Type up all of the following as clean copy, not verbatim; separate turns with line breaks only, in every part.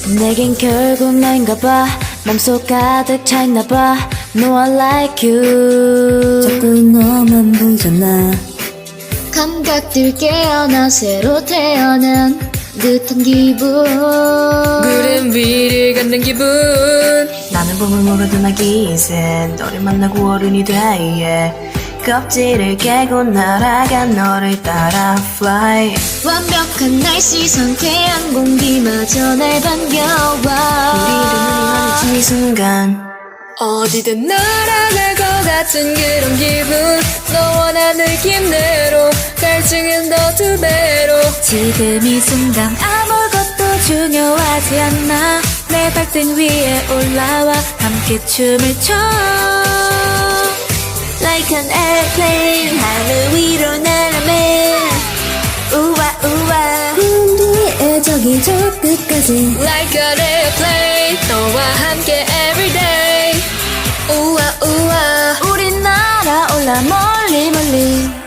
내겐 결국 너인가 봐. 맘속 가득 차있나 봐. No I like you. 자꾸 너만 보이잖아. 감각들 깨어나 새로 태어난 듯한 기분.
구름 위를 걷는 기분.
나는 봄을 모르던 아기새 너를 만나고 어른이 돼 yeah. 껍질을 깨고 날아간 너를 따라 fly. 완벽한 날씨 상쾌한 공기마저 날 반겨와. 우리를 눈이 마주친 이 순간
어디든 날아갈 것 같은 그런 기분. 너와 나 느낌대로 갈증은 더 두 배로.
지금 이 순간 아무것도 중요하지 않아. 내 발등 위에 올라와 함께 춤을 춰. Like an airplane 하늘 위로 날아매. 우와 우와 구름 뒤에 저기 저 끝까지.
Like an airplane 너와 함께 everyday. 우와 우와
우린 날아올라 멀리 멀리.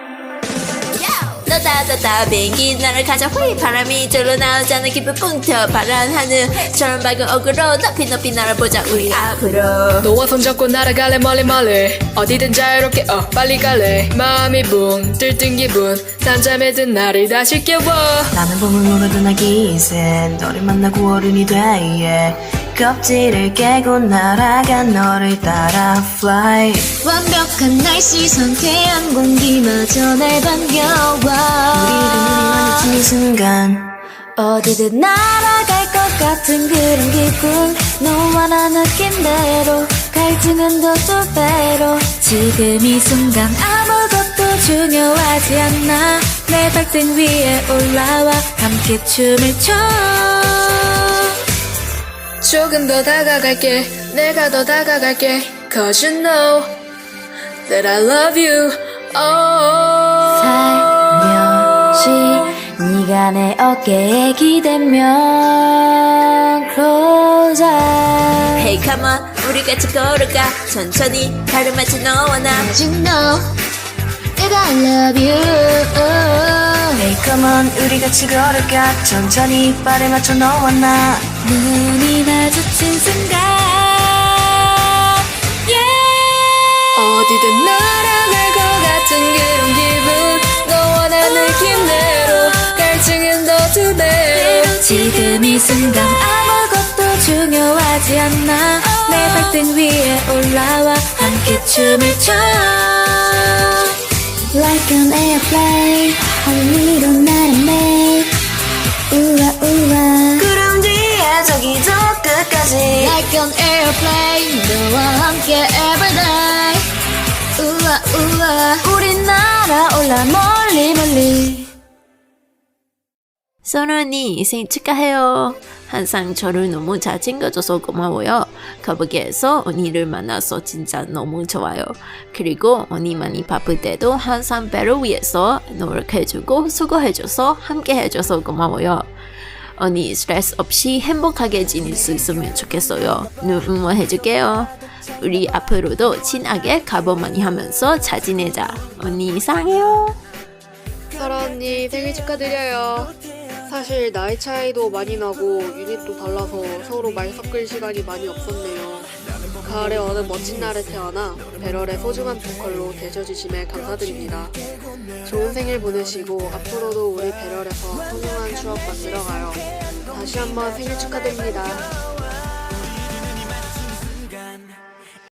너다다다 비행기 나를 가자 휘. 바람이 절로 나오지 않는 깊은 꿈터 파란 하늘처럼 밝은 어그로 높이 높이 날아보자 우리 앞으로.
너와 손잡고 날아갈래 멀리 멀리. 어디든 자유롭게 빨리 갈래. 마음이 붕 들뜬 기분. 잠잠에 든 나를 다시 깨워.
나는 봄을 모르던 아기새 너를 만나고 어른이 돼 yeah. 껍질을 깨고 날아간 너를 따라 fly. 완벽한 날씨 상쾌한 공기마저 날 반겨와. 우리를 눈이 마주친 이 순간 어디든 날아갈 것 같은 그런 기분. 너와 나 느낌대로 갈증은 더 두 배로. 지금 이 순간 아무것도 중요하지 않아. 내 발등 위에 올라와 함께 춤을 춰.
조금 더 다가갈게. 내가 더 다가갈게. Cause you know that I love you.
살며시 네가 내 어깨에 기대면 closer. Hey come on 우리 같이 걸을까. 천천히 발을 맞춰 너와 나. You know that I love you. Hey come on 우리 같이 걸을까. 천천히 발을 맞춰 너와 나. 눈이 마주친 순간 yeah.
어디든 날아갈 것 같은 그런 기분. 너와 나 느낌대로 갈증은 더 두 배로.
지금 이 순간 아무것도 중요하지 않아. 내 발등 위에 올라와 함께 춤을 춰. Like an airplane 하늘 위로 날아매. 우와 우와 구름 뒤에 저기 저 끝까지. Like an airplane 너와 함께 everyday. 우와 우와 우린 날아올라 멀리 멀리. 선우 언니 생일 축하해요. 항상 저를 너무 잘 챙겨줘서 고마워요. 거북이에서 언니를 만나서 진짜 너무 좋아요. 그리고 언니 많이 바쁠 때도 항상 배를 위해서 노력해주고 수고해줘서 함께 해줘서 고마워요. 언니 스트레스 없이 행복하게 지낼 수 있으면 좋겠어요. 눈 응원해줄게요. 우리 앞으로도 친하게 가보 많이 하면서 잘 지내자. 언니 사랑해요.
사라 언니 생일 축하드려요. 사실 나이 차이도 많이 나고 유닛도 달라서 서로 말 섞을 시간이 많이 없었네요. 가을의 어느 멋진 날에 태어나 배럴의 소중한 보컬로 되셔주심에 감사드립니다. 좋은 생일 보내시고 앞으로도 우리 배럴에서 소중한 추억 만들어가요. 다시 한번 생일 축하드립니다.